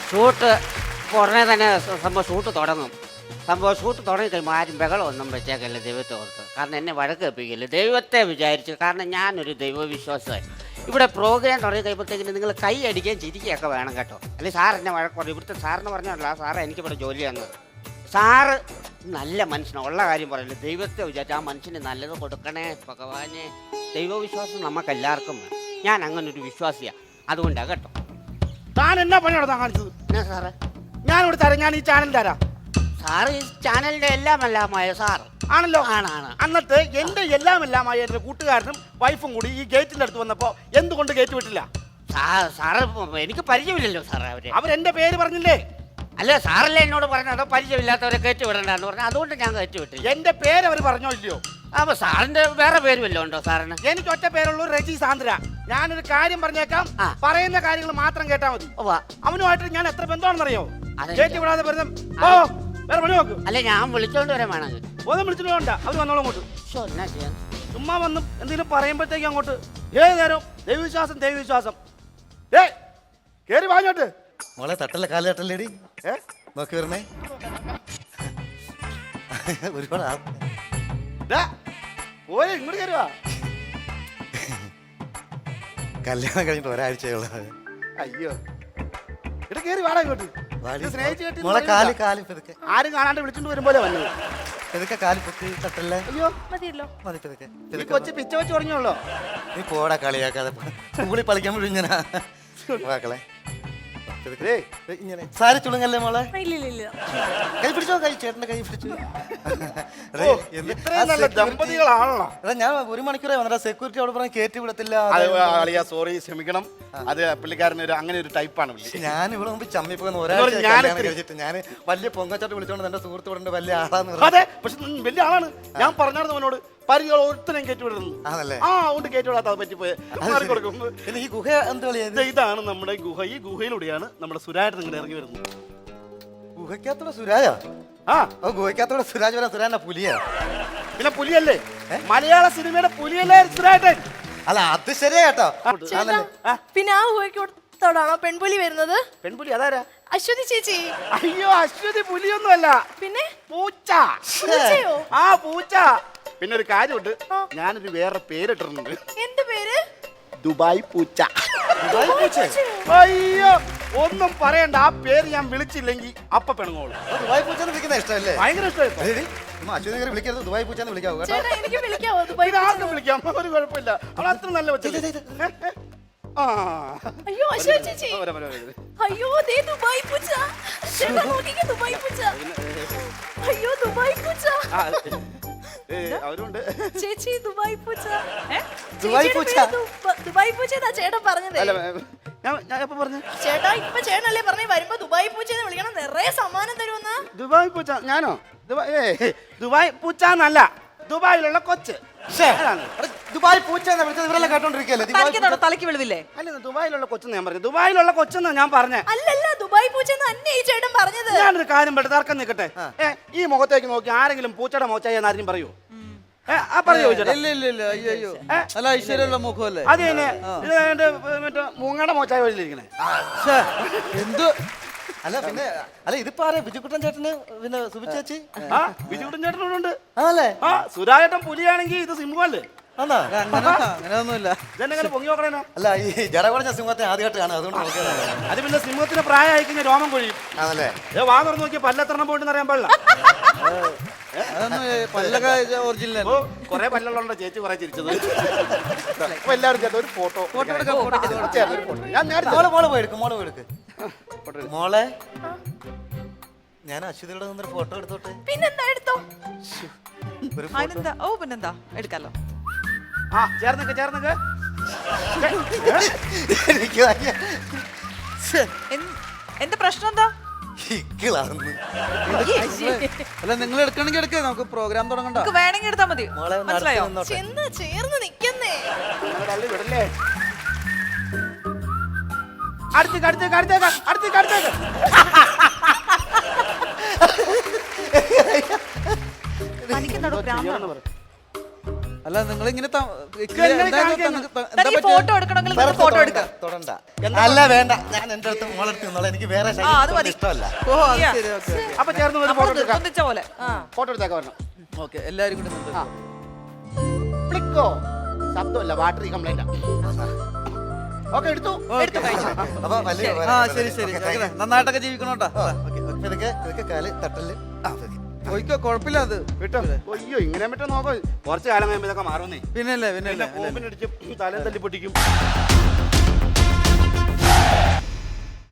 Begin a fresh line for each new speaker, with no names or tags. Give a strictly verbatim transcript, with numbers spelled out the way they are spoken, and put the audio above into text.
Shoot ഉടനെ തന്നെ സംഭവം ഷൂട്ട് തുടങ്ങും. സംഭവം ഷൂട്ട് തുടങ്ങി കഴിയുമ്പോൾ ആരും ബഹളമൊന്നും വെച്ചേക്കല്ല ദൈവത്തെ ഓർത്ത്. കാരണം എന്നെ വഴക്ക് കേൾപ്പിക്കില്ല. ദൈവത്തെ വിചാരിച്ചു. കാരണം ഞാനൊരു ദൈവവിശ്വാസമായി. ഇവിടെ പ്രോഗ്രാം തുടങ്ങി കഴിയുമ്പോഴത്തേക്കിന് നിങ്ങൾ കൈ അടിക്കുകയും ചിരിക്കുകയൊക്കെ വേണം കേട്ടോ. അല്ലെങ്കിൽ സാർ എന്നെ വഴക്ക് പറയും. ഇവിടുത്തെ സാറിന് പറഞ്ഞല്ല, സാറ് എനിക്കിവിടെ ജോലി തന്നത്. സാറ് നല്ല മനുഷ്യനാണ്. ഉള്ള കാര്യം പറയില്ല. ദൈവത്തെ വിചാരിച്ചു ആ മനുഷ്യന് നല്ലത് കൊടുക്കണേ ഭഗവാനെ. ദൈവവിശ്വാസം നമുക്കെല്ലാവർക്കും വേണം. ഞാൻ അങ്ങനെ ഒരു വിശ്വാസിയാണ്. അതുകൊണ്ടാണ് കേട്ടോ.
താൻ എന്നാ പണിയോടെ താൻ കാണിച്ചത്?
എന്നാ സാറേ?
ഞാനിവിടെ തരാം. ഞാൻ ഈ ചാനൽ തരാം.
സാറ് ഈ ചാനലിന്റെ എല്ലാം എല്ലാമായ സാർ
ആണല്ലോ.
ആണാണ്.
അന്നത്തെ എന്റെ എല്ലാം എല്ലാമായ എന്റെ കൂട്ടുകാരനും വൈഫും കൂടി ഈ ഗേറ്റിന്റെ അടുത്ത് വന്നപ്പോ എന്തുകൊണ്ട് ഗേറ്റ് വിട്ടില്ല?
സാറ് എനിക്ക് പരിചയമില്ലല്ലോ സാറേ. അവര്
അവരെന്റെ പേര് പറഞ്ഞില്ലേ?
അല്ല, സാറല്ലേ എന്നോട് പറഞ്ഞതോ പരിചയമില്ലാത്തവരെ കയറ്റി വിടണ്ടെന്ന് പറഞ്ഞു. അതുകൊണ്ട് ഞാൻ കയറ്റി വിട്ടു.
എന്റെ പേര് അവർ പറഞ്ഞോ ഇല്ലയോ?
അപ്പൊ സാറിന്റെ വേറെ പേര് വല്ലതും ഉണ്ടോ സാറിന്?
എനിക്ക് ഒറ്റ പേരുള്ളൂ, റെജി സാന്ദ്ര. ഞാനൊരു കാര്യം പറഞ്ഞേക്കാം, പറയുന്ന കാര്യങ്ങൾ മാത്രം കേട്ടാ മതി. അവനുമായിട്ട് ഞാൻ എത്ര ബന്ധമാണെന്നറിയോ? കയറ്റി വിടാതെ വെറുതെ ഓ വേറെ പണി നോക്ക്.
അല്ലെ, ഞാൻ വിളിച്ചോണ്ട് വരാൻ വേണമെങ്കിൽ
ഒന്നും വിളിച്ചിട്ട് വേണ്ട. അവർ വന്നോളൂ അങ്ങോട്ട്.
എന്നാ ചെയ്യാൻ?
ചുമ്മാ വന്നും എന്തെങ്കിലും പറയുമ്പോഴത്തേക്ക് അങ്ങോട്ട് ഏത് നേരം ദൈവവിശ്വാസം ദൈവവിശ്വാസം. ഏ കേറി വാങ്ങോട്ട്.
മോളെ തട്ടല്ല, കാല് തട്ടല്ലേടി. ഏ നോക്കി വരണേ. ഒരുപാട്
പോരെ ഇങ്ങോട്ട് കയറുവാ.
കല്യാണം കഴിഞ്ഞിട്ട് ഒരാഴ്ചയുള്ള.
അയ്യോ ഇവിടെ കേറി വാടാ ഇങ്ങോട്ട്.
മോളെ കാല് കാല് പെതുക്കെ.
ആരും കാണാണ്ട് വിളിച്ചോണ്ട് വരുമ്പോലെ വന്നത്.
പെതുക്കെ കാല് പൊക്കി തട്ടല്ലേ.
അയ്യോ
മതിയല്ലോ.
മതി പെതുക്കെ.
ഈ കൊച്ചു പിച്ച വെച്ച് തുടങ്ങിയുള്ളോ?
നീ പോടാ കളിയാക്കാതെ. കൂടി കളിക്കാൻ ഇങ്ങനെ വാക്കളെ. ഇങ്ങനെ സാരി ചുളുങ്ങല്ലേ മോളെ. കൈ പിടിച്ചോ, കൈ ചേട്ടന്റെ കൈ പിടിച്ചു.
ദമ്പതികളാണല്ലോ.
ഞാൻ ഒരു മണിക്കൂറേ വന്നിട്ട് സെക്യൂരിറ്റി അവിടെ പറഞ്ഞ കയറ്റി വിടത്തില്ല.
സോറി, ക്ഷമിക്കണം. അത് പുള്ളിക്കാരൻ ഒരു അങ്ങനെ ഒരു ടൈപ്പാണ്.
ഞാൻ ഇവിടെ മുമ്പ് ചമ്മിപ്പോകുന്ന ഒരാഴ്ച കഴിച്ചിട്ട് ഞാൻ വലിയ പൊങ്ങച്ചാട്ട് വിളിച്ചോണ്ട് എന്റെ സുഹൃത്ത് ഇവിടെ വലിയ ആളാന്ന്.
അതെ, പക്ഷെ വലിയ ആളാണ്. ഞാൻ പറഞ്ഞായിരുന്നു അവനോട് പരിചയം ഒരുത്തരം കയറ്റി വിടുന്നു.
ആണല്ലേ?
ആ അതുകൊണ്ട് കയറ്റി വിടാത്ത അത് പറ്റിപ്പോയി.
ഈ ഗുഹ എന്താ?
ഇതാണ് നമ്മുടെ ഗുഹ. ഈ ഗുഹയിലൂടെയാണ് നമ്മുടെ സുരാജ് നിങ്ങളുടെ ഇറങ്ങി വരുന്നത്.
ഗുഹയ്ക്കകത്തൂടെ സുരാജാ? ആ ഗുഹയ്ക്കകത്തൂടെ സുരാജ് വരാൻ. സുരാജ പുലിയാ?
പിന്നെ പുലിയല്ലേ, മലയാള സിനിമയുടെ പുലിയല്ലേ സുരാജൻ?
അല്ല അത് ശരിയാ കേട്ടോ.
പിന്നെ ആ ഗുഹയ്ക്കോടാണോ പെൺപുലി വരുന്നത്?
പെൺപുലി അതാരാ?
അശ്വതി ചേച്ചി.
അയ്യോ, അശ്വതി പുലിയൊന്നും അല്ല.
പിന്നെ
പൂച്ച. ആ പൂച്ച. പിന്നെ ഒരു കാര്യമുണ്ട്, ഞാനൊരു വേറെ പേരിട്ടിട്ടുണ്ട്.
എന്ത് പേര്?
ദുബായ് പൂച്ച. അയ്യോ ഒന്നും പറയണ്ട. ആ പേര് ഞാൻ വിളിച്ചില്ലെങ്കിൽ അപ്പ പെണങ്ങോളൂ.
ദുബായ് പൂച്ച വിളിക്കുന്ന ഇഷ്ടമല്ലേ?
ഭയങ്കര ഇഷ്ടമായി.
അച്ഛനെ വിളിക്കരുത്, ദുബായ് പൂച്ച വിളിക്കാവൂ കേട്ടോ.
എനിക്ക് വിളിക്കാവോ? ദുബായ്
ആർക്കും വിളിക്കാം, ഒരു കുഴപ്പമില്ല. അവൾ അത്ര നല്ല വെച്ചത്.
അയ്യോ അശ്വതി ചേച്ചി. അയ്യോ ദേ ദുബായ് പൂച്ച. ചേട്ടാ നോക്കിക്കേ, ദുബായ് പൂച്ച. അയ്യോ ദുബായ് പൂച്ച.
അവരുണ്ട്
ചേച്ചി. ദുബായ് പൂച്ച.
ദുബായ് പൂച്ച.
ദുബായ് പൂച്ച എന്നാ ചേട്ടൻ പറഞ്ഞത്. ചേട്ടാ ഇപ്പൊ ചേട്ടനല്ലേ പറഞ്ഞേ വരുമ്പോ ദുബായ് പൂച്ച എന്ന് വിളിക്കണം, നിറയെ സമ്മാനം തരുമെന്ന്.
ദുബായ് പൂച്ച? ഞാനോ? ദുബായ് പൂച്ച എന്നല്ല, ദുബായിലുള്ള കൊച്ച്.
ദുബായ് പൂച്ച ഇവരെല്ലാം കേട്ടോണ്ടിരിക്കല്ലേ?
തലക്ക് വെളിവില്ലേ?
അല്ല, ദുബായിലുള്ള കൊച്ചെന്ന് ഞാൻ പറഞ്ഞു. ദുബായിലുള്ള കൊച്ചെന്നാ ഞാൻ പറഞ്ഞേ.
അല്ലല്ല, ദുബായ് പൂച്ച തന്നെ ഈ ചേട്ടൻ പറഞ്ഞത്.
ഞാനൊരു കാര്യം പെട്ട് തർക്കം നിൽക്കട്ടെ. ഈ മുഖത്തേക്ക് നോക്കി ആരെങ്കിലും പൂച്ചയുടെ മോച്ചായി എന്നാരും പറയൂ? മൂങ്ങയുടെ മോച്ചായ വഴിയിലിരിക്കണേ.
എന്ത് അല്ല പിന്നെ അല്ല ഇതിപ്പോ ആരാ? ബിജുക്കുട്ടൻ ചേട്ടന് പിന്നെ സുബിച്ചേച്ചി.
ആ ബിജുക്കുട്ടൻ ചേട്ടനോടുണ്ട്.
ആണല്ലേ?
ആ സുരാജേട്ടൻ പുലിയാണെങ്കിൽ ഇത് സിംഹല്ലേ?
അങ്ങനെയൊന്നുമില്ല.
ഇതെന്നെ പൊങ്ങി നോക്കണേനോ?
അല്ല ഈ ജട കുറഞ്ഞ സിംഹത്തെ ആദ്യമായിട്ട് കാണാം, അതുകൊണ്ട് നോക്കിയതാണ്.
അത് പിന്നെ സിംഹത്തിന് പ്രായമായി കഴിഞ്ഞാൽ രോമം കൊഴിയും.
ആണല്ലേ?
ഏ വാ തുറന്ന് നോക്കിയാൽ പല്ലെത്രണം പോയിട്ട് അറിയാൻ പാടില്ല. കൊറേ പല്ലുള്ളതുകൊണ്ട് ചേച്ചി കുറെ ചിരിച്ചത്. അപ്പൊ എല്ലാവരും ചേർത്ത് ഒരു ഫോട്ടോ
ഞാൻ മോളെ പോയി എടുക്കും. മോളെ പോയി എടുക്ക്. മോളെ ഞാൻ അശ്വതിയുടെ നിന്നൊരു ഫോട്ടോ എടുത്തോട്ടെ.
പിന്നെന്താ എടുത്തോ.
ഓ പിന്നെന്താ എടുക്കാലോ.
ആ ചേർന്നൊക്കെ ചേർന്നൊക്കെ.
എന്റെ പ്രശ്നം എന്താ?
അല്ല നിങ്ങൾ എടുക്കണമെങ്കിൽ എടുക്കുക, നമുക്ക് പ്രോഗ്രാം തുടങ്ങണ്ട.
വേണമെങ്കിൽ എടുത്താൽ മതി. മനസ്സിലായോ?
ചെന്ന് ചേർന്ന് നിക്കുന്നേ.
വിടല്ലേ? അടുത്തേക്ക് അടുത്തേക്ക് അടുത്തേക്ക് അടുത്തേക്ക് അടുത്തേക്ക്.
അല്ല നിങ്ങൾ ഇങ്ങനെ
ഫോട്ടോ എടുക്കണമെങ്കിൽ നിങ്ങൾ ഫോട്ടോ എടുക്ക
തൊടണ്ട അല്ല വേണ്ട ഞാൻ എന്റെ അടുത്ത് മോളെടുത്ത് നിന്നോളാം എനിക്ക് വേറെ
ആ, അത് മതി.
ഇഷ്ടമല്ല
ഓ അത് ശരി ഓക്കെ
അപ്പൊ ചേർന്ന് ഒരു ഫോട്ടോ എടുക്കാം
ഒന്നിച്ച പോലെ
ഫോട്ടോ എടുത്തേക്ക് വരണം
ഓക്കെ എല്ലാരും കൂടി നിന്ന്.
ക്ലിക്കോ ശബ്ദമല്ല ബാറ്ററി കംപ്ലൈന്റ് ഓക്കെ എടുത്തു
എടുത്തു കഴിച്ചു
അപ്പൊ വലിയ
ആ ശരി ശരി ഓക്കേ, നന്നായിട്ടൊക്കെ ജീവിക്കണോട്ടാ
ഇതൊക്കെ ഇതൊക്കെ കാല് തട്ടല് ആ ഓക്കെ
പോയിക്കോ കുഴപ്പമില്ല അത്
വിട്ടോ അയ്യോ ഇങ്ങനെ പറ്റും നോക്കോ കുറച്ച് കാലം കഴിയുമ്പോ ഇതൊക്കെ മാറുന്നേ
പിന്നല്ലേ പിന്നല്ലേ
പിന്നെ ബോംബിനടിച്ച് തലയും തല്ലി പൊട്ടിക്കും